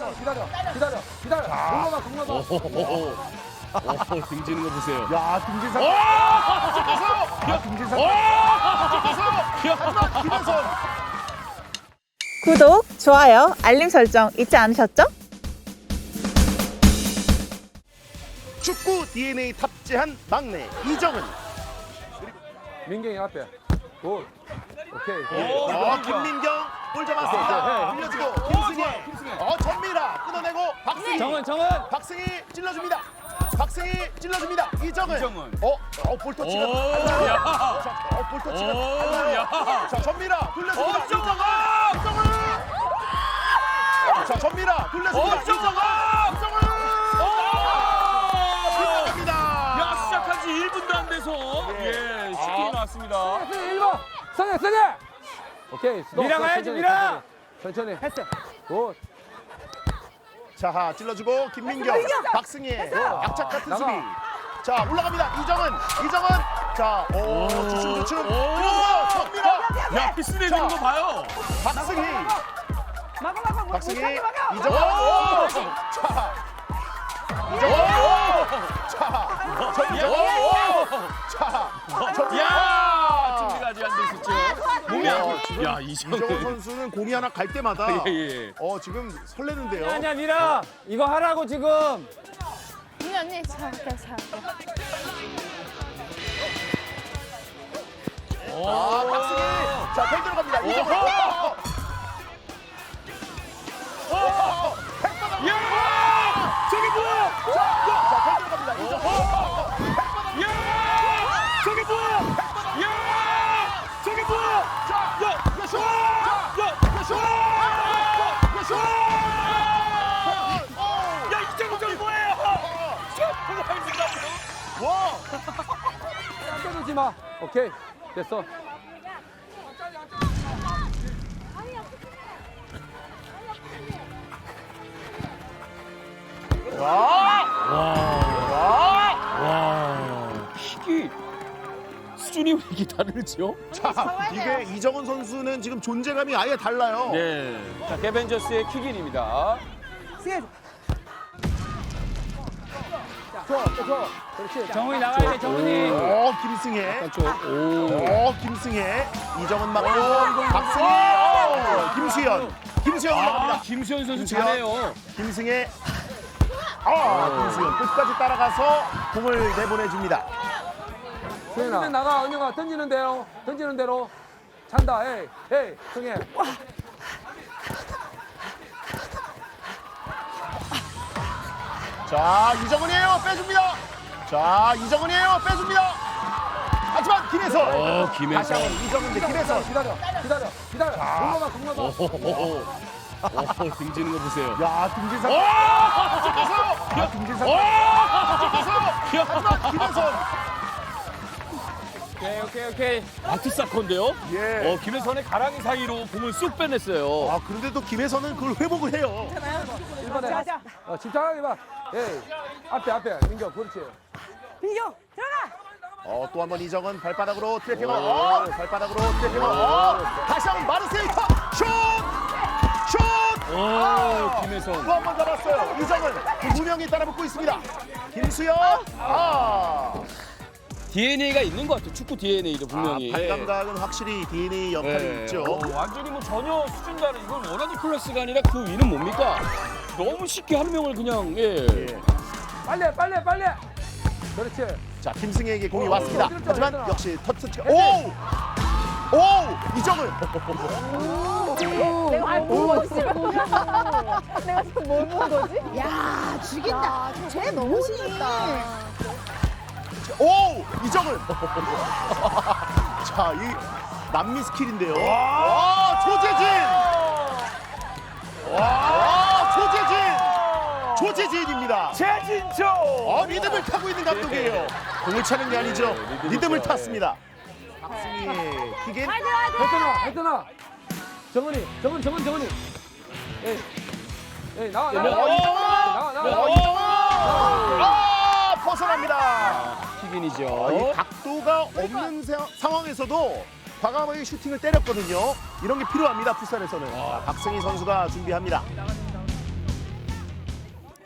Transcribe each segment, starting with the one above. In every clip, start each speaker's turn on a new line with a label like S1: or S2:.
S1: 기다려. 공로가.
S2: 등지는 거 보세요.
S3: 야, 등진상. 야, 등진상. 하지만 김혜선.
S4: 구독, 좋아요, 알림 설정 잊지 않으셨죠?
S3: 축구 DNA 탑재한 막내 이정은.
S1: 민경이 앞에. 굿. 오케이.
S3: 김민경 볼 잡았습니다. 흘려주고 김승희. 전미라 끊어내고 박승희. 박승희 찔러줍니다. 이정은. 볼 터치가. 볼 터치가. 자, 전미라 돌려줍니다. 이정은. 자, 전미라 돌려줍니다. 이정은.
S2: 시작한 지 1분도 안 돼서 슈팅이 나왔습니다.
S1: 1번. 선해. 오케이.
S2: 미라 가야지, 미라.
S1: 천천히. 했어. 굿.
S3: 자, 찔러주고 김민경, 박승희, 약착 같은 수비. 자, 올라갑니다. 이정은. 자, 주춤. 그래서 전미라.
S2: 야, 피스 내는 거 봐요.
S3: 박승희, 이정은.
S2: 준비가 아직 안 돼 있었죠. 몸이 야,
S3: 이정은 선수는 공이 하나 갈 때마다 지금 설레는데요.
S1: 아니야, 미라. 이거 하라고 지금.
S5: 언니 잘할게.
S3: 박승희. 자, 팽 들어갑니다. 이정은.
S2: 저게 뭐야?
S3: 자, 팽 들어갑니다. 이정은.
S2: 저게 뭐야? 저게 뭐야? 이정은 저게 뭐예요?
S3: 와!
S1: 때리지 마. 오케이. 됐어.
S2: 킥이 수준이 왜 이렇게 다르죠?
S3: 자, 이게 이정은 선수는 지금 존재감이 아예 달라요.
S2: 네. 자, 개벤저스의 킥인입니다.
S1: 좋아. 그렇지.
S2: 정훈이 나가야 돼, 정훈이.
S3: 김승혜.
S2: 오.
S3: 김승혜. 이정은 맞고 박승희. 김수현. 올라갑니다.
S2: 김수현 선수
S3: 김수현.
S2: 잘해요.
S3: 김승혜. 김수현 끝까지 따라가서 공을 내보내줍니다.
S1: 수현아. 나가, 은영아. 던지는 대로. 찬다. 에이, 승혜.
S3: 자, 이정은이에요. 빼줍니다. 하지만 김혜선.
S2: 김혜선.
S3: 다시 한번 이정은 대 김혜선.
S1: 기다려. 공로가.
S2: 등지는 거 보세요.
S3: 야, 등진상. 등진상. 하지만 김혜선.
S2: 오케이. 아트 사건인데요?
S3: 예.
S2: 김혜선의 가랑이 사이로 공을 쑥 빼냈어요.
S3: 그런데도 김혜선은 그걸 회복을 해요.
S1: 1번에. 집중하게 봐. 에이. 앞에. 민경, 그렇지.
S3: 또 한 번 이정은 발바닥으로 트래핑을. 다시 한번 마르세유터 슛!
S2: 김혜선.
S3: 또 한 번 잡았어요. 이정은 두 명이 따라붙고 있습니다. 김수현.
S2: DNA가 있는 것 같아요. 축구 DNA도 분명히.
S3: 발감각은 확실히 DNA 역할이 있죠.
S2: 완전히 전혀 수준 다른 이건 워너드 클래스가 아니라 그 위는 뭡니까? 너무 쉽게 한 명을 그냥
S1: 빨리. 그렇지.
S3: 자, 김승혜에게 공이 왔습니다. 하지만 역시 터치가. 이정은.
S5: 내가 뭘 지금 뭘 본 거지? 야, 죽인다. 쟤 너무 죽였다.
S3: 이정은. 자, 이 남미 스킬인데요. 조재진입니다.
S2: 최진초.
S3: 리듬을 타고 있는 감독이에요. 공을 차는 게 아니죠. 리듬을 탔습니다. 박승희 킥인.
S1: 했잖아. 정은이. 에이, 나와.
S3: 벗어납니다.
S2: 킥인이죠.
S3: 이 각도가 없는 상황에서도 과감하게 슈팅을 때렸거든요. 이런 게 필요합니다. 풋살에서는. 박승희 선수가 준비합니다.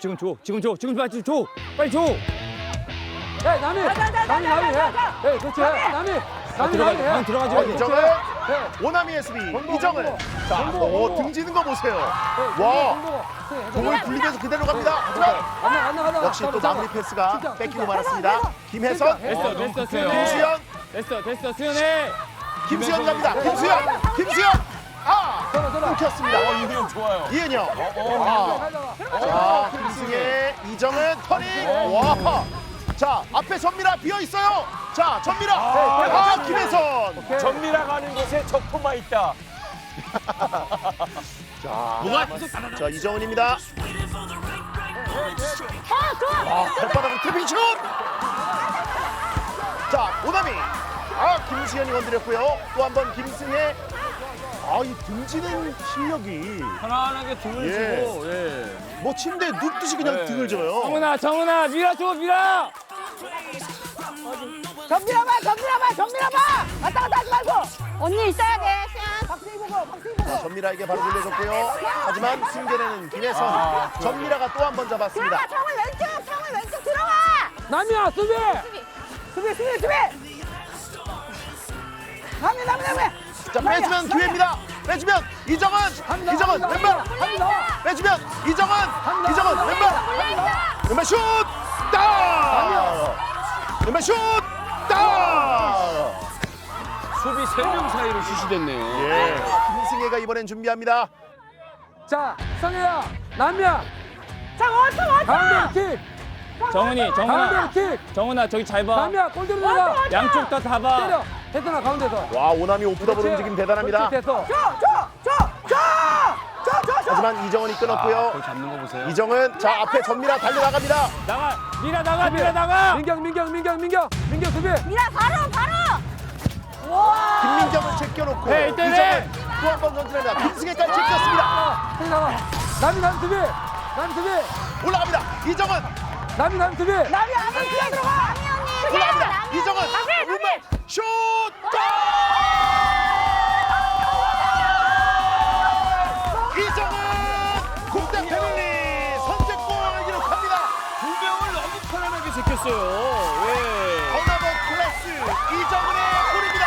S2: 지금 줘. 지금 빨리 줘. 빨리 줘.
S1: 야, 남이. 남이 해. 예, 그렇지. 남이 해.
S2: 들어가지.
S3: 이정은
S1: 예.
S3: 오나미의 수비
S1: 공부,
S3: 이정은
S1: 공부.
S3: 자,
S1: 공부.
S3: 등지는 거 보세요.
S1: 와.
S3: 와, 공을 분리해서 그대로 갑니다. 하지만
S1: 안
S3: 역시 또 마무리 패스가
S1: 진짜,
S3: 뺏기고
S1: 진짜.
S3: 말았습니다. 김혜선,
S2: 됐어.
S3: 김수현,
S2: 됐어. 수연해.
S3: 김수현 갑니다. 김수현, 끊겼습니다.
S2: 이은영 좋아요.
S3: 이은영, 자, 김승혜, 이정은 터닝. 와, 자, 앞에 전미라 비어 있어요. 자, 전미라, 김혜선.
S2: 전미라 가는 곳에 적토마 있다.
S3: 자, 이정은입니다. 발바닥으로 트래핑 슛! 자, 오나미. 김수현이 건드렸고요. 또 한 번 김승혜. 이 등지는 실력이
S2: 편안하게 등을
S3: 예.
S2: 주고. 예.
S3: 뭐 침대에 눕듯이 그냥 등을 줘요.
S2: 정은아, 밀어줘.
S5: 정밀아 봐. 왔다 갔다 하지 말고. 언니 있어야 돼. 박승희 보고.
S3: 전미라에게 바로 돌려줬고요. 하지만 승계는 김혜선. 전미라가 또 한 번 잡았습니다.
S5: 정을 왼쪽 들어가.
S1: 남이야, 수비.
S5: 수비. 남이.
S3: 자, 빼주면 기회입니다. 빼주면 이정은 왼발. 빼주면 이정은 왼발 슛! 왼발 슛!
S2: 수비 3명 사이로 슛이 됐네요.
S3: 예, 김승혜가 이번엔 준비합니다.
S1: 자, 성혜야, 남이야.
S5: 자, 왔어.
S1: 가운데 킥. 가운데 킥.
S2: 정은아, 저기 잘 봐.
S1: 남이야, 골 들어가.
S2: 양쪽 다 봐.
S1: 때려. 혜선아, 가운데서.
S3: 와, 오나미 오프더블 움직임 대단합니다.
S1: 그렇지, 됐어.
S5: 줘.
S3: 하지만 이정은이 끊었고요.
S2: 거기 잡는 거 보세요.
S3: 이정은 자 앞에 전미라 달려나갑니다.
S2: 미라 나가.
S1: 민경 수비.
S5: 미라 바로. 와.
S3: 김민경을 제껴놓고
S2: 네, 이때네.
S3: 이정은 또 한 번 전진합니다. 김승혜까지 제꼈습니다.
S1: 남이 수비.
S3: 올라갑니다. 이정은
S1: 남이 수비.
S5: 남이 안에 들어가.
S3: 올라갑니다. 이정은 왼발 슛! 이정은 국대 패밀리 선제골을 기록합니다.
S2: 2명을 너무 편안하게 제꼈어요. 예.
S3: 어나더 클래스 이정은의 골입니다.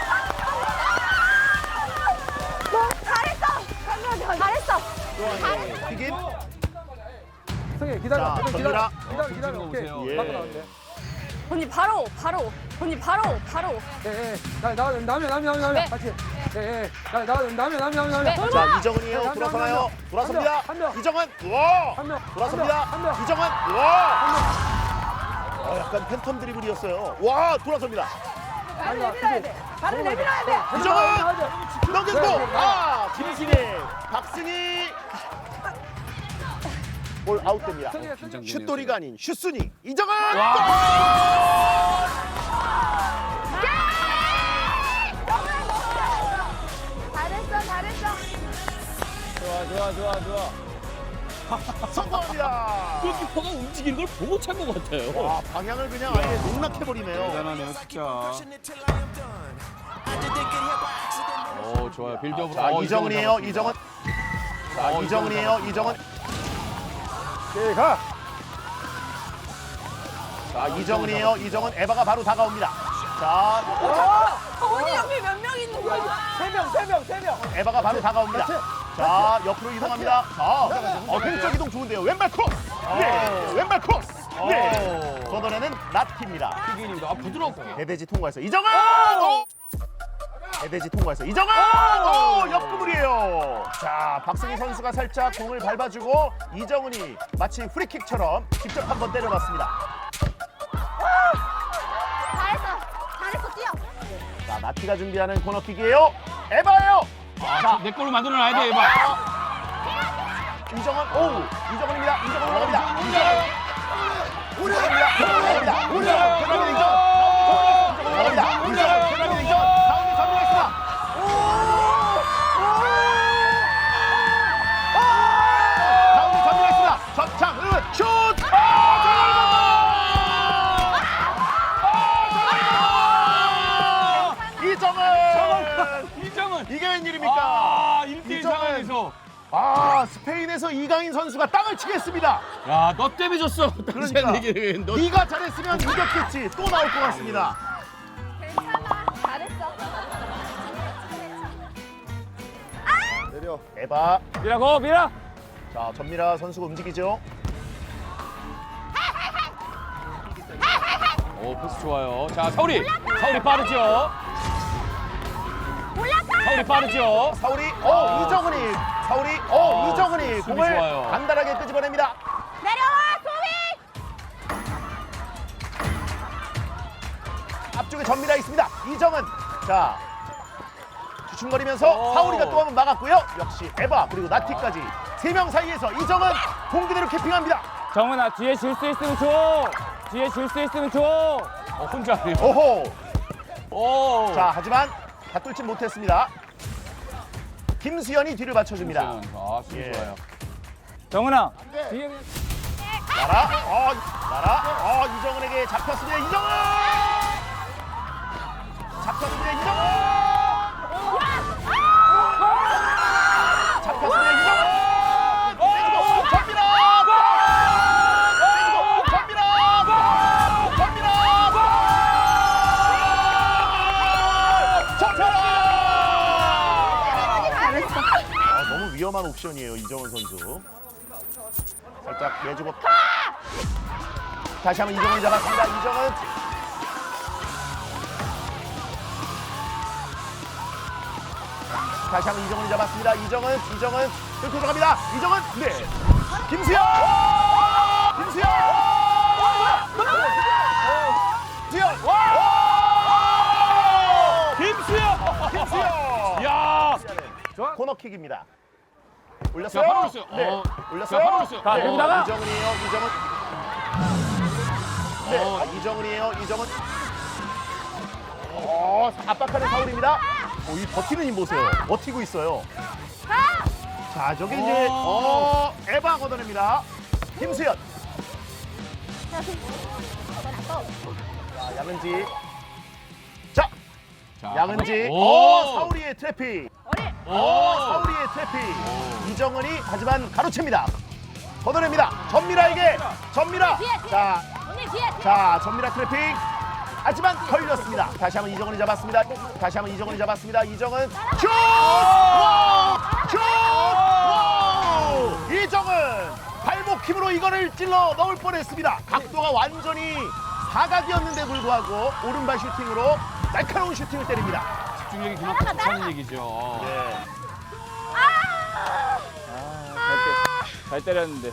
S5: 잘했어.
S3: 튀김.
S1: 성혜 기다려.
S3: 자,
S1: 기다려.
S2: 거
S1: 오케이.
S2: 보세요.
S3: 예.
S1: 맞고 나오는데.
S5: 언니 바로. 언니 바로.
S1: 예. 남이 같이. 예. 남이.
S5: 네.
S3: 자, 이정은이에요. 돌아서나요? 돌아섭니다.
S1: 한 명.
S3: 이정은 와!
S1: 한 명.
S3: 돌아섭니다.
S1: 한 명.
S3: 이정은 와! 약간 팬텀 드리블이었어요. 와, 돌아섭니다.
S5: 발을 내밀어야 돼.
S3: 이정은 넘겨주고 김신혜, 박승희 볼 아웃됩니다. 슛돌이가 아닌 슛순이 이정은
S5: 잘했어.
S2: 좋아.
S3: 성공합니다.
S2: 골키퍼가 움직이는 걸 보고 찬 것 같아요.
S3: 와, 방향을 그냥 아예 농락해버리네요.
S2: 대단하네요, 진짜. 좋아요. 빌드업으로.
S3: 자, 이정은이에요. 이정은. 자, 이정은이에요. 이정은.
S1: 오케이, 가.
S3: 자, 이정은이에요. 이정은. 에바가 바로 다가옵니다. 자,
S5: 언니 옆에 몇 명 있는 거야?
S1: 세 명.
S3: 에바가 바로 다가옵니다. 자, 옆으로 이동합니다. 자, 왼쪽 이동 좋은데요. 왼발 크로스. 네, 왼발 크로스. 네, 걷어내는 나티입니다.
S2: 튀기입니다. 부드럽게.
S3: 배대지 통과해서 이정은. 배대지 통과해서 이정은. 옆구물이에요. 자, 박승희 선수가 살짝 공을 밟아주고 이정은이 마치 프리킥처럼 직접 한번 때려봤습니다.
S5: 잘했어. 뛰어.
S3: 자, 나티가 준비하는 코너킥이에요. 에바예요. 자,
S2: 내 걸로 만들어놔야 돼, 에바.
S3: 이정은, 이정은입니다. 이정은 올라갑니다. 이정은 올라갑니다. 올라갑니다. 이정. 가운데 전미가 있습니다. 가운데 전미가 있습니다. 전창은 슛! 이정은!
S2: 이정은.
S3: 이게 웬일입니까?
S2: 1대1
S3: 이정은.
S2: 상황에서.
S3: 스페인의 여기에서 이강인 선수가 땅을 치겠습니다.
S2: 야, 너 때문에 졌어.
S3: 그러니까
S2: 너
S3: 네가 잘했으면 이겼겠지. 또 나올 것 같습니다.
S5: 괜찮아. 잘했어.
S3: 내려. 에바.
S1: 미라고 미라.
S3: 자, 전미라 선수가 움직이죠.
S2: 오, 패스 좋아요. 자, 사우리 빠르죠. 사우리 빠르죠.
S3: 사우리. 이정은이. 사우리. 이정은이
S2: 수비
S3: 공을
S2: 좋아요.
S3: 간단하게 끄집어냅니다.
S5: 내려와, 소미!
S3: 앞쪽에 전미라 있습니다. 이정은. 자, 주춤거리면서 사우리가 또 한 번 막았고요. 역시 에바 그리고 나티까지 3명 사이에서 이정은 공 그대로 캐핑합니다.
S1: 정은아 뒤에 질 수 있으면 줘. 뒤에 질 수 있으면 줘.
S2: 혼자 하네요.
S3: 오호.
S2: 오.
S3: 자, 하지만 다 뚫지 못했습니다. 김수현이 뒤를 받쳐줍니다.
S2: 아, 수비
S3: 예.
S2: 좋아요.
S1: 정은아 뒤에
S3: 나라. 이정은에게 잡혔습니다. 이정은! 잡혔습니다. 이정은! 잡혔습니다. 이정은! 내주고 전미라! 내주고 전미라! 전미라!
S5: 잘했어.
S3: 너무 위험한 옵션이에요, 이정은 선수. 살짝 내주고 다시 한번 이정은이 잡았습니다. 이정은. 다시 한번 이정은이 잡았습니다. 이정은 뚫고 들어갑니다. 이정은. 네. 김수현. 김수현. 김수현.
S2: 야!
S3: 코너킥입니다.
S2: 자,
S3: 올렸어요.
S2: 바로 올렸어요.
S3: 네.
S2: 자,
S3: 올렸어요.
S2: 바로 올렸어요.
S1: 자, 여기 나가.
S3: 이정은이에요. 이정은. 네. 이정은이에요. 이정은. 압박하는 사울입니다. 이 버티는 힘 보세요. 버티고 있어요. 자, 저기 이제 에바 걷어냅니다. 김수현. 자, 양은지. 자,
S2: 자,
S3: 양은지.
S2: 오!
S3: 사우리의 트래픽.
S2: 오!
S3: 사우리의 트래픽. 이정은이 하지만 가로챕니다. 걷어냅니다. 전미라에게. 전미라. 자,
S5: 언니 뒤에.
S3: 자, 전미라 트래픽. 하지만 걸렸습니다. 다시 한번 이정은이 잡았습니다. 다시 한번 이정은이 잡았습니다. 이정은 슛! 슛! 이정은 발목 힘으로 이거를 찔러 넣을 뻔했습니다. 각도가 완전히 사각이었는데 불구하고 오른발 슈팅으로 날카로운 슈팅을 때립니다.
S2: 집중력이 그만큼 좋다는 얘기죠.
S3: 네.
S1: 잘 때렸는데.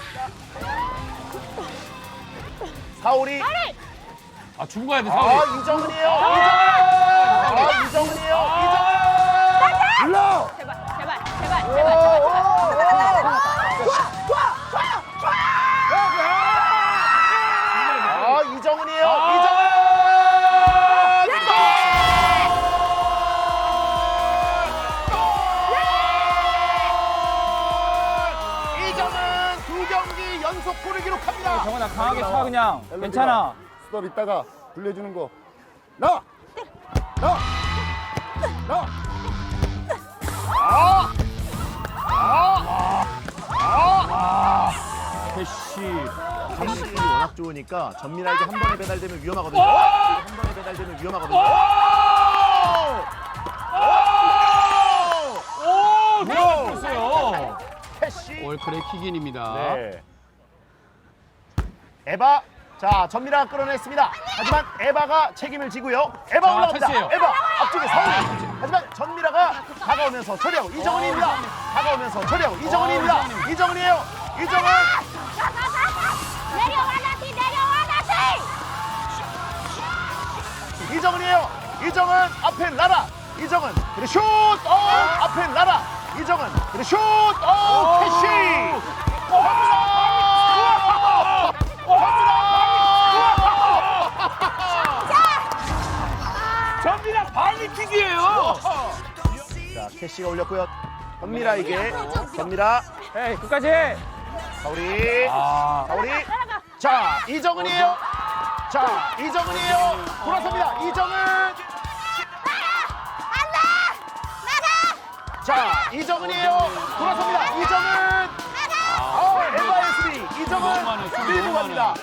S3: 사울이.
S2: 아, 주고 가야 돼, 사우리.
S3: 이정은이에요. 이정은이에요.
S1: 불러.
S3: 이정은이에요. 이정은 2경기 연속 골을 기록합니다.
S1: 정은아 강하게 차 그냥. 괜찮아.
S6: 스톱 있다가 불려주는 거.
S2: 패시.
S3: 감실이 워낙 좋으니까 전미라에게 한 번에 배달되면 위험하거든요. 한 번에 배달되면 위험하거든요.
S2: 오! 들어갔어요.
S3: 패시.
S2: 올크레 킥인입니다.
S3: 네. 에바. 자, 전미라가 끌어냈습니다. 하지만 에바가 책임을 지고요. 에바
S2: 자,
S3: 올라옵니다.
S2: 패스예요.
S3: 에바 앞쪽에 사울이. 하지만 전미라가 다가오면서 처리하고 이정은입니다. 다가오면서 처리하고 이정은입니다. 이정은이에요. 이정은.
S5: 내려와 나티 내려와 나티.
S3: 이정은이에요. 이정은 앞에 라라. 이정은 그리고 슛. 앞에 라라. 이정은 그리고 슛. 캐시.
S2: 전미라 발리킥이에요.
S3: 자, 캐시가 올렸고요. 전미라에게. 전미라.
S1: 에이 끝까지.
S3: 사우리.
S2: 아,
S3: 사우리. 자, 이정은이에요. 자, 이정은이에요. 돌아섭니다. 이정은. 자, 이정은이에요. 돌아섭니다. 이정은. FISB 이정은 밀고 갑니다.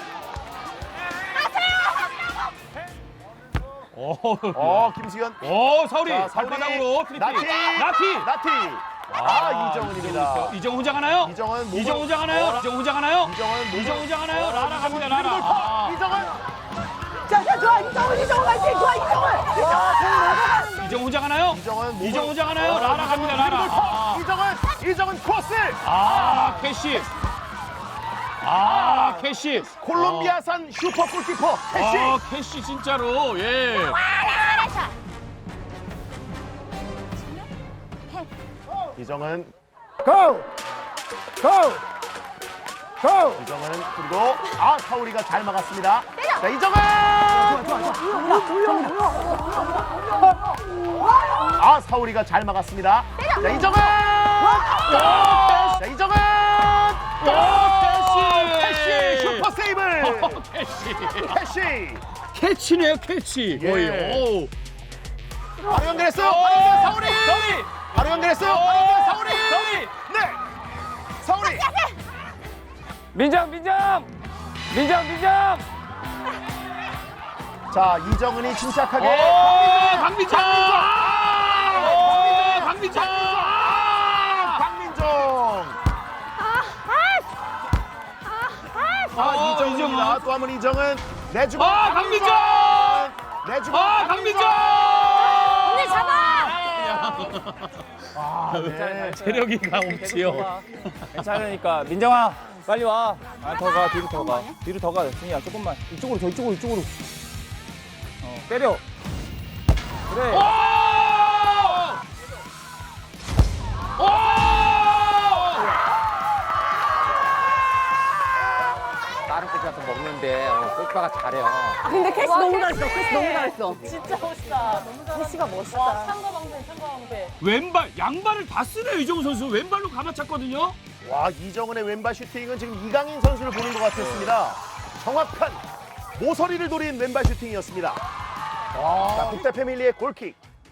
S3: 김수현.
S2: 사우리
S3: 자, 사우리.
S2: 발바닥으로 트리플.
S3: 나티. 이정은입니다.
S2: 이정 후장하나요?
S3: 이정은 몸을-
S2: 이정 후장하나요? 이정 후장하나요?
S3: 이정은
S2: 이정 후장하나요?
S3: 어,
S2: 라라 갑니다.
S3: 이정은
S2: 라라. 아.
S3: 이정은
S5: 자, 좋아. 이정은 화이팅. 좋아, 이정은.
S2: 이정 후장하나요?
S3: 이정은 몸을-
S2: 이정 후장하나요? 라라 갑니다. 라라. 아.
S3: 이정은 코스.
S2: 캐시. 캐시.
S3: 콜롬비아산 슈퍼 골키퍼 캐시.
S2: 캐시 진짜로. 예.
S3: 이정은
S6: 고! 고! 고!
S3: 이정은 그리고 사우리가 잘 막았습니다. 자 이정은 사우리가 잘 막았습니다. 자 이정은 자 이정은 캐시 슈퍼 세이브. 캐시
S2: 캐치네요, 캐치.
S3: 예.
S2: 거의. 오.
S3: 바로 연결했어요. 바로 연결 사우리. 바로 연결했어요. 바로 연결 사우리. 네. 사우리.
S1: 민정.
S3: 자 이정은이 침착하게.
S2: 강민정.
S3: 이정은입니다. 또 한 번 이정은 내주고.
S2: 강민정.
S3: 내주고.
S2: 강민정.
S5: 언니 잡아.
S3: 네.
S2: 체력이가 없지요.
S1: 괜찮으니까 민정아 빨리 와. 더 가. 뒤로 더 가. 승희야 조금만. 이쪽으로. 때려. 그래. 다른 것 같은 거 먹는데 골파가 잘해요.
S5: 근데 캐시 너무 잘했어.
S4: 진짜 멋있다. 캐시가 멋있다.
S2: 왼발, 양발을 다 쓰네요, 이정우 선수. 왼발로 감아찼거든요.
S3: 와 이정은의 왼발 슈팅은 지금 이강인 선수를 보는 것 같았습니다. 정확한 모서리를 노린 왼발 슈팅이었습니다. 자 국대 패밀리의 골킥.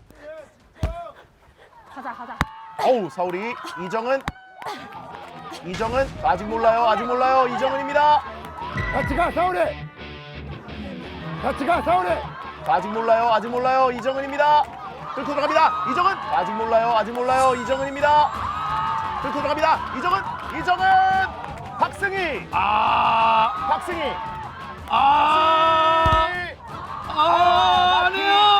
S5: 가자.
S3: 어우 사우리 이정은 아직 몰라요 이정은입니다.
S6: 같이 가, 사우리! 같이 가, 사우리!
S3: 아직 몰라요 이정은입니다. 뚫고 들어갑니다. 이정은 아직 몰라요 이정은입니다. 뚫고 들어갑니다. 이정은 박승희. 박승희.
S2: 아니요.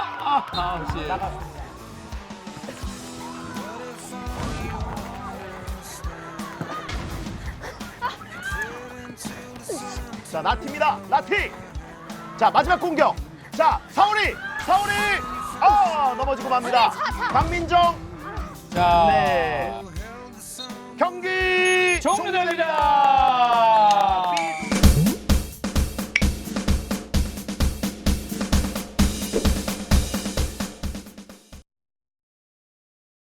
S3: 자 나티입니다. 나티. 자 마지막 공격. 자 사우리 넘어지고 맙니다. 강민정.
S2: 자,
S3: 네.